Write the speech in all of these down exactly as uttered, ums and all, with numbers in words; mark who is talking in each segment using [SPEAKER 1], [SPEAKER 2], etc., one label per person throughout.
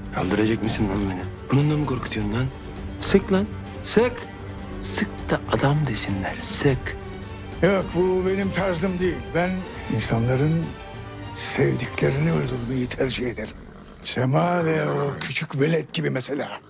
[SPEAKER 1] Öldürecek misin lan beni? Bununla mı korkutuyorsun lan? Sık lan. Sık. Sık da adam desinler. Sık.
[SPEAKER 2] Yok, bu benim tarzım değil. Ben insanların sevdiklerini öldürmeyi tercih ederim. Sema ve o küçük velet gibi mesela.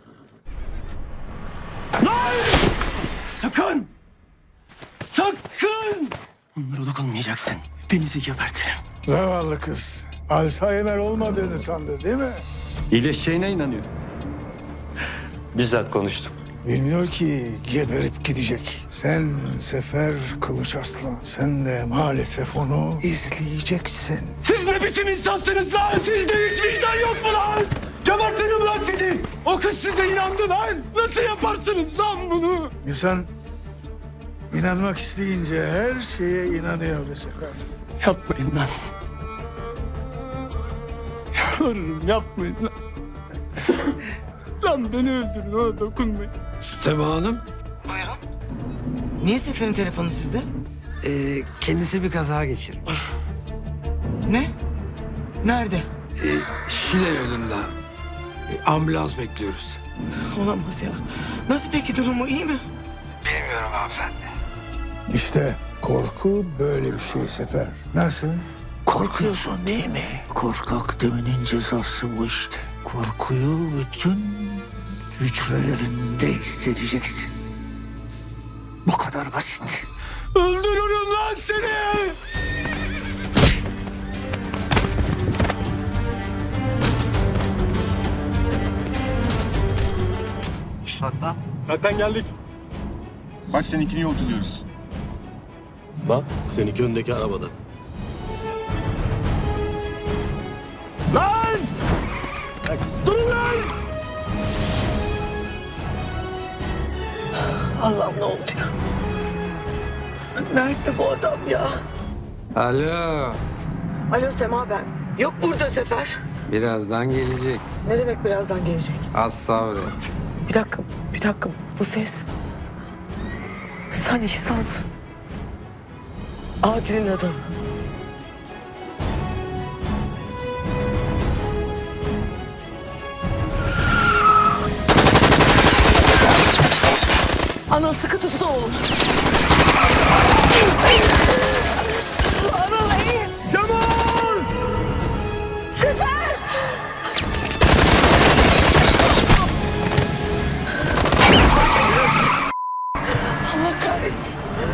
[SPEAKER 1] Sakın! Sakın! Onlara dokunmayacaksın. Denizi gebertirim.
[SPEAKER 2] Zavallı kız. Alzheimer olmadığını sandı değil mi?
[SPEAKER 3] İyileşeceğine inanıyor. Bizzat konuştum.
[SPEAKER 2] Bilmiyor ki geberip gidecek. Sen Sefer Kılıç Aslan. Sen de maalesef onu izleyeceksin.
[SPEAKER 1] Siz ne biçim insansınız lan? Sizde hiç vicdan yok mu lan? Gebertirim lan sizi. O kız size inandı lan. Nasıl yaparsınız lan bunu?
[SPEAKER 2] İnsan inanmak isteyince her şeye inanıyor be Sefer.
[SPEAKER 1] Yapmayın lan. Yalvarırım yapmayın lan. Lan beni öldürün, ona dokunmayın.
[SPEAKER 4] Sema Hanım,
[SPEAKER 5] Buyurun. Niye Sefer'in telefonu sizde?
[SPEAKER 4] e, kendisi bir kaza geçirmiş.
[SPEAKER 5] Ne? Nerede?
[SPEAKER 4] E, Şile yolunda. E, ambulans bekliyoruz.
[SPEAKER 5] Olamaz ya. Nasıl peki, durumu iyi mi?
[SPEAKER 4] Bilmiyorum hanımefendi.
[SPEAKER 2] İşte korku böyle bir şey Sefer. Nasıl? Korkuyorsun değil mi? Korkak demenin cezası bu işte. Korkuyu bütün hücrelerinde hissedeceksin. Bu kadar basit.
[SPEAKER 1] Öldürürüm lan seni!
[SPEAKER 6] Zaten geldik. Bak seninkini yolculuyoruz.
[SPEAKER 7] Bak seninki öndeki arabada.
[SPEAKER 1] Lan! Durun lan!
[SPEAKER 5] Allah'ım, ne oldu ya? Nerede bu adam ya?
[SPEAKER 4] Alo,
[SPEAKER 5] Alo, Sema ben. Yok burada Sefer.
[SPEAKER 4] birazdan gelecek.
[SPEAKER 5] Ne demek birazdan gelecek?
[SPEAKER 4] Az sabret.
[SPEAKER 5] Bir dakika, bir dakika. Bu ses. Sen İhsan'sın. Adil'in adamı. Ana, sıkı tutun oğlum. Ana, iyi.
[SPEAKER 1] Zaman!
[SPEAKER 5] Sefer! Allah kahretsin.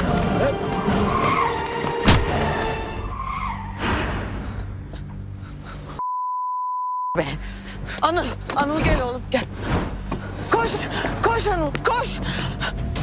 [SPEAKER 5] Be. Anıl, Anıl gel oğlum, gel. Koş, koş Anıl, koş.